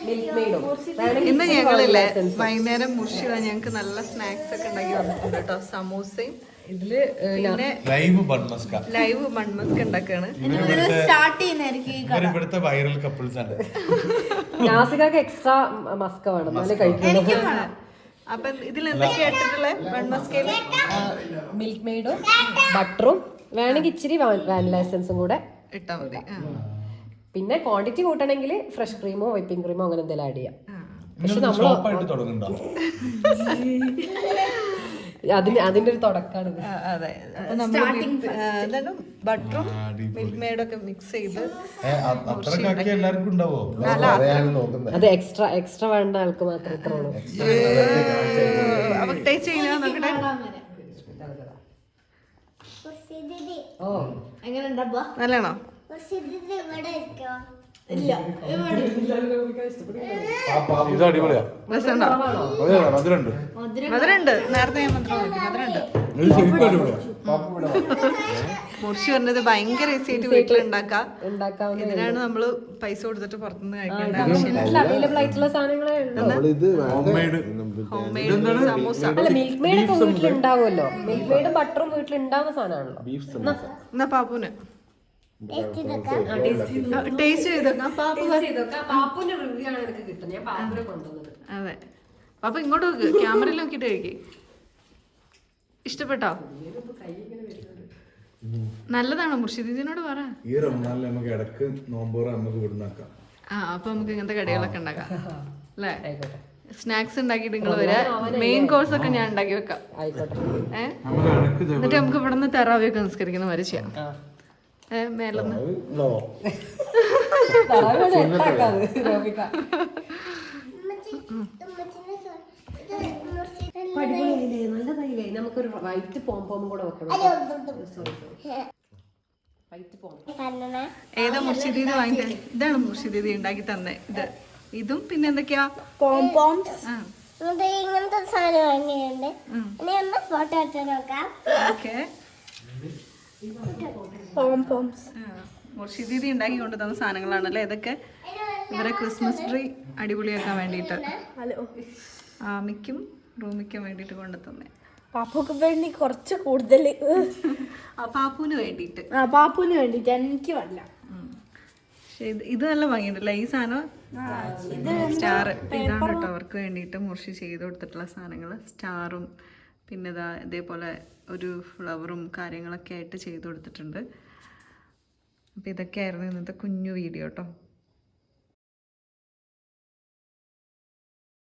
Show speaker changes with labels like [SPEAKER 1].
[SPEAKER 1] ഇന്ന് ഞങ്ങളില്ലേ വൈകുന്നേരം മുർഷിത ഞങ്ങൾക്ക് നല്ല സ്നാക്സ് ഒക്കെ ഉണ്ടാക്കി വന്നിട്ടുണ്ട് കേട്ടോ. സമൂസയും ഇതില് പിന്നെ ലൈവ് ബൺമസ്ക ഉണ്ടാക്കാണ്.
[SPEAKER 2] ഇവിടുത്തെ വൈറൽ കപ്പിൾസ് ആണ്.
[SPEAKER 3] നാസികക്ക് എക്സ്ട്രാ മസ്ക വേണം എന്നാലേ കഴിക്കുള്ളൂ.
[SPEAKER 1] അപ്പൊ ഇതിൽ എന്തൊക്കെയാ ഇട്ടിട്ടുള്ളത്? ബൺമസ്കയില്
[SPEAKER 3] മിൽക്ക് മെയ്ഡും ബട്ടറും വേണമെങ്കിൽ ഇച്ചിരി വാനില എസൻസും കൂടെ
[SPEAKER 1] ഇട്ടാ മതി.
[SPEAKER 3] പിന്നെ ക്വാണ്ടിറ്റി കൂട്ടണമെങ്കിൽ ഫ്രഷ് ക്രീമോ വൈപ്പിംഗ് ക്രീമോ അങ്ങനെ എന്തെങ്കിലും ആഡ് ചെയ്യാം. പക്ഷെ നമ്മൾ അതിന്റെ ഒരു തുടക്കാണ്.
[SPEAKER 1] അതെ, ബട്ടറും മിൽക്ക് മെയ്ഡൊക്കെ മിക്സ് ചെയ്ത്
[SPEAKER 3] അത് എക്സ്ട്രാ വേണ്ട ആൾക്ക് മാത്രമേ ഇത്ര ഉള്ളൂ.
[SPEAKER 1] അപ്പൊ ടേസ്റ്റ് ചെയ്യാൻ നോക്കട്ടെ. നല്ലതാണോ?
[SPEAKER 2] ഇത് അടിപൊളിയാ.
[SPEAKER 1] മധുരണ്ട്. നേരത്തെ ഞാൻ മധുരണ്ട്. മുർഷി പറഞ്ഞത് ഭയങ്കര ഈസി ആയിട്ട് വീട്ടിലുണ്ടാക്കാം. ഇതിനാണ് നമ്മള് പൈസ കൊടുത്തിട്ട് പുറത്തുനിന്ന് കഴിക്കേണ്ട ആവശ്യമില്ല.
[SPEAKER 3] അവൈലബിൾ ആയിട്ടുള്ള സാധനങ്ങളെ
[SPEAKER 1] സമൂസ.
[SPEAKER 3] മിൽക്ക് മെയ്ഡ് ഒക്കെ വീട്ടിലുണ്ടാവുമല്ലോ. മിൽക്ക് മെയ്ഡും ബട്ടറും വീട്ടിലുണ്ടാവുന്ന സാധനമാണല്ലോ.
[SPEAKER 1] എന്നാ പാപ്പുന് ടേസ്റ്റ് ചെയ്തോക്കാം.
[SPEAKER 3] പാപ്പുന്റെ റിവ്യൂ ആണ് എനിക്ക് കിട്ടുന്നത്. ഞാൻ പാപ്പുനെ കൊണ്ടുവന്നത്.
[SPEAKER 1] അതെ, പാപ്പ ഇങ്ങോട്ട് നോക്ക്, ക്യാമറയിൽ നോക്കിട്ട് കഴിക്കേ. ഇഷ്ടപ്പെട്ടോ? നല്ലതാണോ മുർഷിദിനോട് പറ.
[SPEAKER 2] ഈ റമദാനിൽ നമുക്ക് ഇടക്ക് നോമ്പോറ നമുക്ക് വിടുന്നാക്കാം.
[SPEAKER 1] അപ്പൊ നമുക്ക് ഇങ്ങനത്തെ കടികളൊക്കെ ഉണ്ടാക്കാം അല്ലേ? സ്നാക്സ് ഉണ്ടാക്കിയിട്ട് നിങ്ങൾ വരാ. മെയിൻ കോഴ്സ് ഒക്കെ ഞാൻ ഉണ്ടാക്കി വെക്കാം. എന്നിട്ട് നമുക്ക് ഇവിടെ നിന്ന് തെറാവിയൊക്കെ നിസ്കരിക്കുന്ന വരെ ചെയ്യാം. മേലൊന്ന്
[SPEAKER 3] നമുക്കൊരു വൈറ്റ് പോംപോം കൂടെ വെക്കണം.
[SPEAKER 1] ഏതാ മുർഷിദീദി വാങ്ങിത്തേ? ഇതാണ് മുർഷിദീദി ഉണ്ടാക്കി തന്നെ. ഇതും പിന്നെ എന്തൊക്കെയാ
[SPEAKER 4] ഇങ്ങനത്തെ സാധനം വാങ്ങിയുണ്ട്. ഫോട്ടോ എടുത്ത് നോക്കാം.
[SPEAKER 1] മുർഷിദീദി ഉണ്ടാക്കി കൊണ്ടുതന്ന സാധനങ്ങളാണല്ലേ ഇതൊക്കെ. ഇവരെ ക്രിസ്മസ് ട്രീ അടിപൊളിയാക്കാൻ വേണ്ടിയിട്ട് ആമിക്കും റൂമിക്കും വേണ്ടിയിട്ട് കൊണ്ടുതന്നെ.
[SPEAKER 4] പാപ്പുക്ക് വേണ്ടി കുറച്ച് കൂടുതൽ.
[SPEAKER 1] പാപ്പുവിന് വേണ്ടിയിട്ട്
[SPEAKER 4] എനിക്ക് വേണ്ട.
[SPEAKER 1] ഇത് നല്ല ഭംഗിയുണ്ടല്ലേ ഈ സാധനം. സ്റ്റാർ ഇതാണ് കേട്ടോ അവർക്ക് വേണ്ടിയിട്ട് മുർഷി ചെയ്ത് കൊടുത്തിട്ടുള്ള സാധനങ്ങൾ. സ്റ്റാറും പിന്നെ ഇതേപോലെ ഒരു ഫ്ലവറും കാര്യങ്ങളൊക്കെ ആയിട്ട് ചെയ്ത് കൊടുത്തിട്ടുണ്ട്. അപ്പോൾ ഇതൊക്കെയായിരുന്നു ഇന്നത്തെ കുഞ്ഞു വീഡിയോ കേട്ടോ.